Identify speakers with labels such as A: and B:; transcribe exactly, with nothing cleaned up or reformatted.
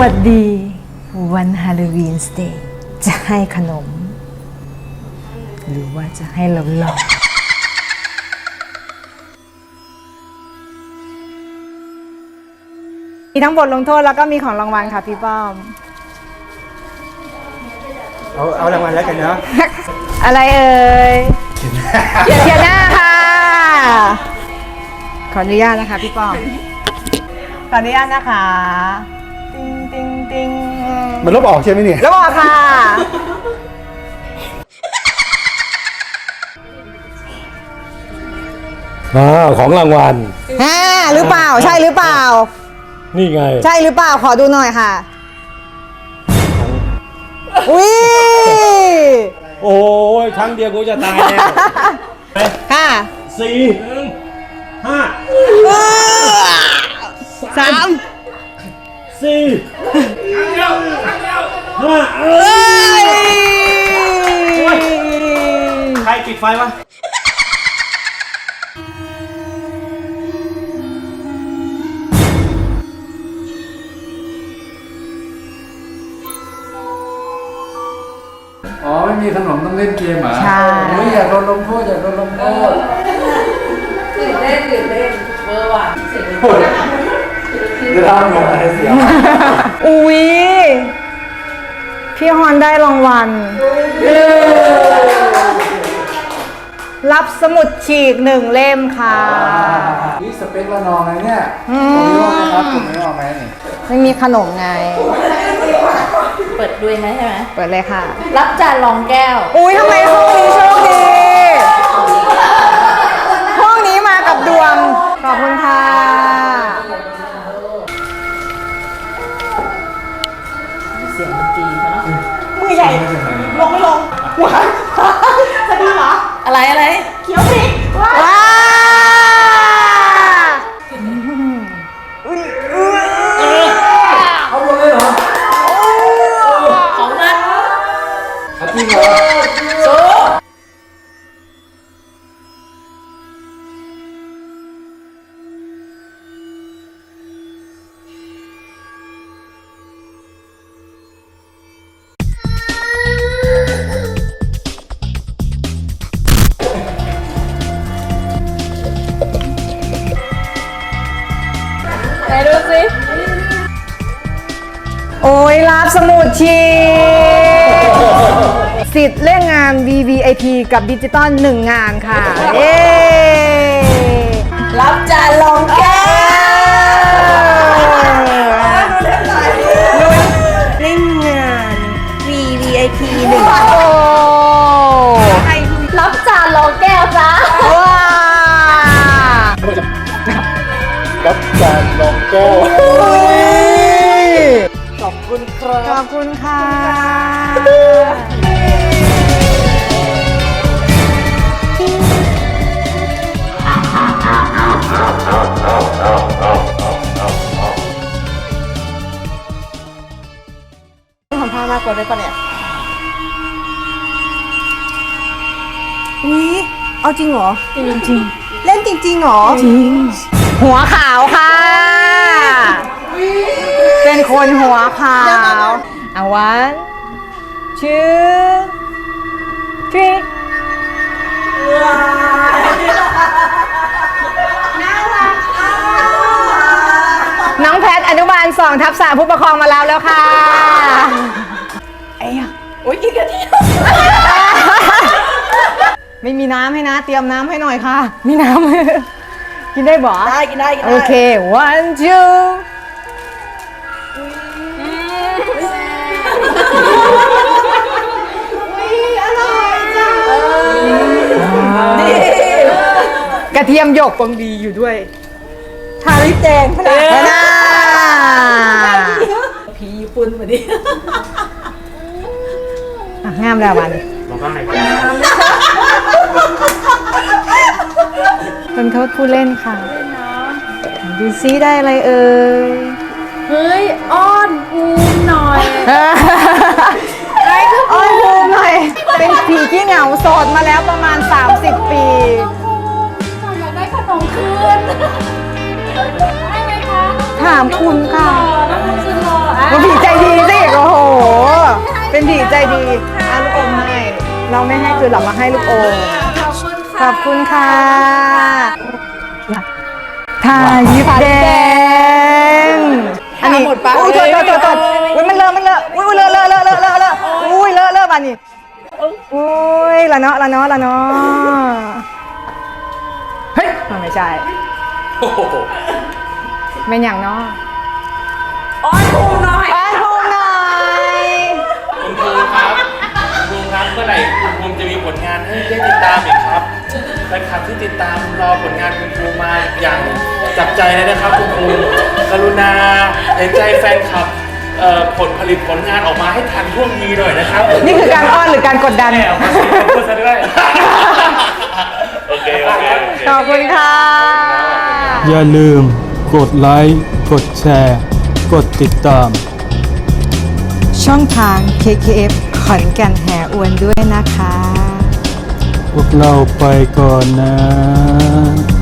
A: วัสดีวันฮาโลวีนสเตย์จะให้ขนมหรือว่าจะให้เราหลอกมีทั้งบทลงโทษแล้วก็มีของรางวัลค่ะพี่ป้อม
B: เอาเอารางวัลแล้วกันเนาะ
A: อะไรเอ่ยเขียนเขียนหน้าค่ะขออนุญาตนะคะพี่ป้อมขออนุญาตนะคะติงติงติง
B: มันลบออกใช่ไหมเนี่ย
A: ลบออกค่ะ
C: อ่าของรางวัล
A: ฮ่าหรือเปล่าใช่หรือเปล่า
C: นี่ไง
A: ใช่หรือเปล่าขอดูหน่อยค่ะอุ้ย
C: โอ้ยครั้งเดียวกูจะตายแล้ว
A: ค่ะ
C: สี่ห้า
A: สาม
C: สี่ห้าเอ
A: เอ้
C: อย ใครปิดไฟวะ
D: อ๋อไม่มีขนมต้องเล่นเกมเหรอ
A: ใช่
D: โอ้ยอยากโดนลงโทษอยากโดนลงโทษ
E: ตื่นเต้นตื่นเต้นเบอร์ว่ะเสียง
D: จะทำยังไงเสีย
A: อุ้ยพี่ฮอนได้รางวัลรับสมุดฉีกหนึ่งเล่มค่ะ
D: นี่สเปคละนองไงเนี่ยตรงนี้ว่าไหมครับตรงนี้ว่าไหมนี่
A: ไม่มีขนมไง
E: เปิดด้วยไหมใช่ไหม
A: เปิดเลยค่ะ
E: รับจานรองแก้ว
A: อุ้ยทำไมห้องนี้โชคดีห้องนี้มากับดวงขอบคุณค่ะ
E: เสียงดนตรีเขาเนาะ
A: มือใหญ่ลงไม่ลงหวานจะดีเหรอ
E: อะไรอะไร
A: เขียวสิว้า
D: เอาลงเลยเหรอ
E: ของมัน
D: เอาจริงเหรอ
E: โซ่
A: ไหนดูสิโอ้ยรับสมุดชีสิทธิ์เล่นงาน วี วี ไอ พี กับดิจิตอลหนึ่งงานค่ะเย้
E: รับจานรองแก้ว
A: เล่นงาน
E: วี วี ไอ พี หนึ่ง
A: โอ้
E: รับจานรองแก้วจ้า
A: ว้า
D: รับจานรองแก้ว
A: ขอบคุณครับขอบคุณค่ะทำท่ามากกว่าได้ปะเนี่ยอุ้ยเอาจริงเหรอจริงจริงเล่นจริงๆเหรอจริงหัวขาวค่ะเป็นคนหัวขาวอาวันชื่อทริน้องแพทอนุบาลสองทับสามผู้ปกครองมาแล้วแล้วค่ะไอ้ยะ
E: โอ้ยกินกะทิ
A: ไม่มีน้ำให้นะ เตรียมน้ำให้หน่อยค่ะ มีน้ำ กินได้บ่
E: ได้กินได้กินได้
A: โอเค one two กระเทียมหยกปังดีอยู่ด้วยทาลิปแดงขนาดนั้น
E: ผีญี่ปุ่นมาดิ
A: อ่ะงามแล้ววัน
B: บอกว่าไง
A: เป็นโทษผู้เล่นค่ะดูซิได้อะไรเอ่ย
E: เฮ้ย อ้อนภูมิหน่อย
A: อ้อนภูมิหน่อย เป็นผีขี้เหงาโสดมาแล้วประมาณ สามสิบ ปี
E: อยากได้ขนมคืนได้ไหมคะ
A: ถามคุณค่ะ
E: น้องคุณรอ
A: มันผีใจดีสิโอ้โห เป็นผีใจดีอาลูกอมให้เราไม่ให้คือเรามาให้ลูกอมขอบคุณค่ะทายิบแดงอันนี้อุ้ยโทษโทษโทษโทษอุ้ยมันเลอะมันเลอะอุ้ยเลอะเลอะเลอะเลอะเลอะเลอะอุ้ยเลอะเลอะบานนี้อุ้ยละเนาะละเนาะละเนาะเฮ้ยมันไม่ใช่เป็นอย่างเนาะ
E: อ้อนภูมิหน่อย
A: อ้อนภูมิหน่อย
C: คุณครูครับคุณครูครับเมื่อไหร่คุณภูมิจะมีผลงานให้ได้ติดตามอีกครับแฟนคลับที่ติดตามรอผลงานคุณครูมาอย่างจับใจเลยนะครับคุณครูกรุณาเห็นใจแฟนคลับเอ่อผลผลิตผลงานออกมาให้ทันท่วงทีหน่อยนะครับ
A: นี่คือการอ้อนหรือการกดดัน
C: แอบมาสิพูดซะด้วยโอเคโอเคโอเค
A: ขอบคุณค่ะ
F: อย่าลืมกดไลค์ กดแชร์ กดติดตาม
A: ช่องทาง เค เค เอฟ ขอนแก่นแห่อวนด้วยนะคะ
F: พวกเราไปก่อนนะ